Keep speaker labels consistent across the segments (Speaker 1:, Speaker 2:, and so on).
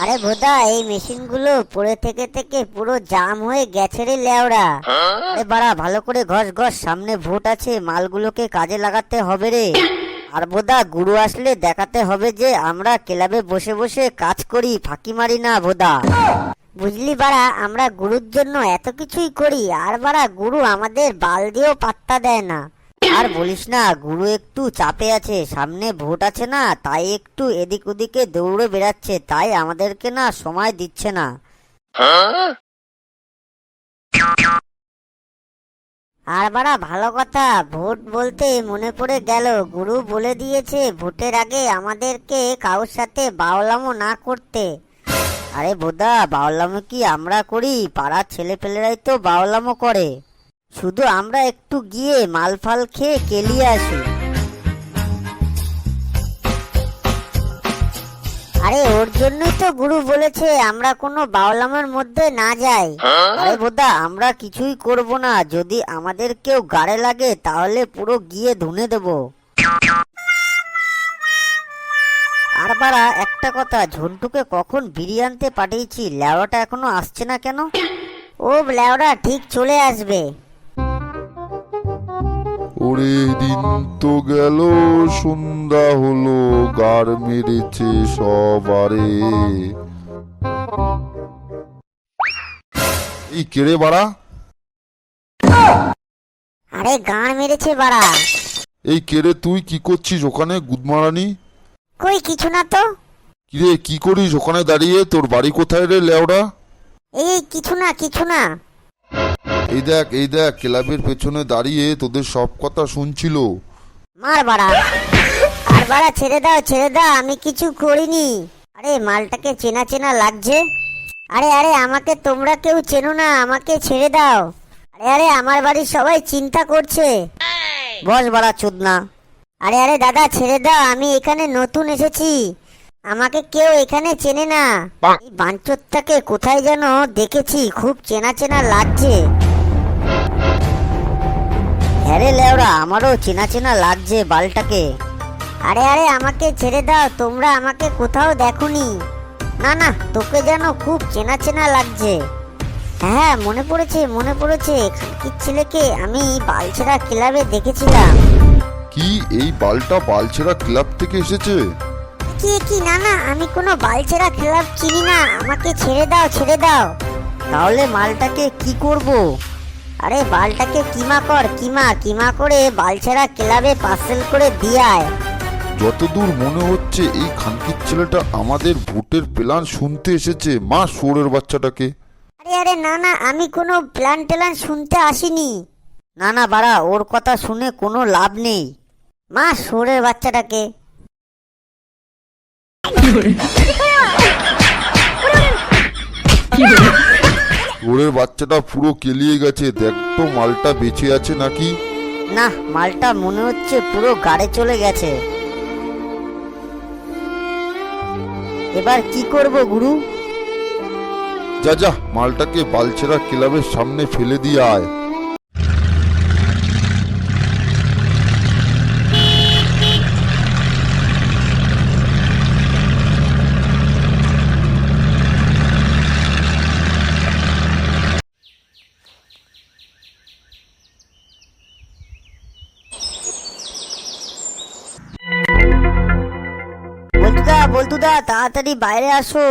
Speaker 1: আরে ভোদা, এই মেশিনগুলো পড়ে থেকে থেকে পুরো জাম হয়ে গেছে রে লেওড়া। আরে বাড়া, ভালো করে ঘষ ঘষ, সামনে ভোট আছে, মালগুলোকে কাজে লাগাতে হবে রে। আর ভোদা, গুরু আসলে দেখাতে হবে যে আমরা ক্লাবে বসে বসে কাজ করি, ফাঁকি মারি না ভোদা। বুঝলি বাড়া, আমরা গুরুর জন্য এত কিছুই করি, আর বাড়া গুরু আমাদের বাল দিয়েও পাত্তা দেয় না। আর বলিস না, গুরু একটু চাপে আছে, সামনে ভোট আছে না, তাই একটু এদিক ওদিকে দৌড়ে বেড়াচ্ছে, তাই আমাদেরকে না সময় দিচ্ছে না। আর বাড়া ভালো কথা, ভোট বলতে মনে পড়ে গেল, গুরু বলে দিয়েছে ভোটের আগে আমাদেরকে কারোর সাথে বাউলামো না করতে। আরে বোদা, বাউলামো কি আমরা করি? পাড়ার ছেলেপেলেরাই তো বাউলামো করে, শুধু আমরা একটু গিয়ে মাল ফাল খেয়ে কেলিয়ে আসি। আরে ওর জন্যই তো গুরু বলেছে আমরা কোনো বাউলামের মধ্যে না যাই। আরে বোদা, আমরা কিছুই করব না, যদি আমাদের কেউ গাড়ে লাগে তাহলে পুরো গিয়ে ধুনে দেব। আর বাড়া একটা কথা, ঝন্টুকে কখন বিড়ি আনতে পাঠিয়েছি, লেওড়াটা এখনো আসছে না কেন? ও লেওড়া ঠিক চলে আসবে।
Speaker 2: ওরে দিন তো গেল, সন্ধ্যা হলো, গার মেরেছে সবারে। এই কেড়ে বাড়া?
Speaker 1: আরে গাঁড় মেরেছে বাড়া।
Speaker 2: এই কেড়ে, তুই কি করছিস ওখানে গুদমারানি?
Speaker 1: কই কিছু না তো।
Speaker 2: কিরে, কি করিস ওখানে দাঁড়িয়ে? তোর বাড়ি কোথায় রে লেওড়া?
Speaker 1: এই কিছু না কিছু না।
Speaker 2: এই দেখ, এই দেখ, ক্লাবের পেছনে দাঁড়িয়ে তোদের সব কথা শুনছিল।
Speaker 1: মার বাড়া। আর বাড়া ছেড়ে দাও ছেড়ে দাও, আমি কিছু করিনি। আরে মালটাকে চেনা চেনা লাগছে। আরে আরে, আমাকে তোমরা কেউ চেনো না, আমাকে ছেড়ে দাও। আরে আরে, আমার বাড়ির সবাই চিন্তা করছে। বস বাড়া চোদনা। আরে আরে দাদা ছেড়ে দাও, আমি এখানে নতুন এসেছি, আমাকে কেউ এখানে চেনে না। এই বাঞ্চোতটাকে কোথায় যেন দেখেছি, খুব চেনা চেনা লাগছে। হ্যাঁ রে লেওড়া, আমারও চেনা চেনা লাগছে বালটাকে। আরে আরে, আমাকে ছেড়ে দাও, তোমরা আমাকে কোথাও দেখোনি। না না, তোকে যেন খুব চেনা চেনা লাগছে। হ্যাঁ মনে পড়েছে মনে পড়েছে, খানকির ছেলেকে আমি বালছেড়া ক্লাবে দেখেছিলাম।
Speaker 2: কি, এই বালটা বালছেড়া ক্লাব থেকে এসেছে?
Speaker 1: কি কি, না না, আমি কোনো বালছেড়া ক্লাব চিনি না, আমাকে ছেড়ে দাও ছেড়ে দাও। তাহলে মালটাকে কি করব? আরে বালটাকে কিমা কর, কিমা কিমা করে বালছেড়া ক্লাবে পার্সেল করে দিয়ে আয়।
Speaker 2: যতদূর মনে হচ্ছে এই খানকির ছেলেটা আমাদের ভোটের প্ল্যান শুনতে এসেছে, মা শোরের বাচ্চাটাকে।
Speaker 1: আরে আরে না না, আমি কোনো প্ল্যান ট্যালান শুনতে আসিনি। না না বাড়া, ওর কথা শুনে কোনো লাভ নেই, মা শোরের বাচ্চাটাকে।
Speaker 2: শোরের বাচ্চাটা পুরো কেলিয়ে গেছে, দেখ তো মালটা বেঁচে আছে নাকি।
Speaker 1: না, মালটা মনে হচ্ছে পুরো গাড়ে চলে গেছে। এবার কি করব গুরু?
Speaker 2: যা যা, মালটাকে বালছেড়া ক্লাবের সামনে ফেলে দিয়ে আয়।
Speaker 1: বল্টুদা বল্টুদা, তাড়াতাড়ি বাইরে আসো।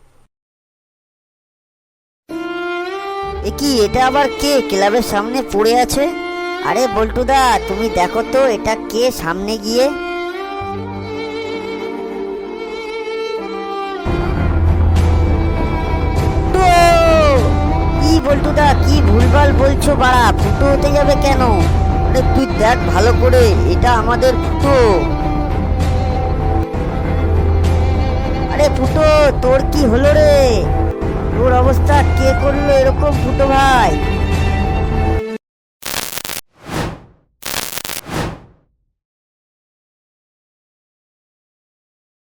Speaker 1: এ কি, এটা আবার কে ক্লাবের সামনে পড়ে আছে? আরে বল্টুদা, তুমি দেখো তো এটা কে সামনে গিয়ে। কি বল্টুদা, কি ভুলভাল বলছো বাড়া? ফুটো হতে যাবে কেন? আরে তুই দেখ ভালো করে, এটা আমাদের ফুটো। আরে ফুটো, তোর কি হলো রে? তোর অবস্থা কে করলো এরকম ফুটো ভাই?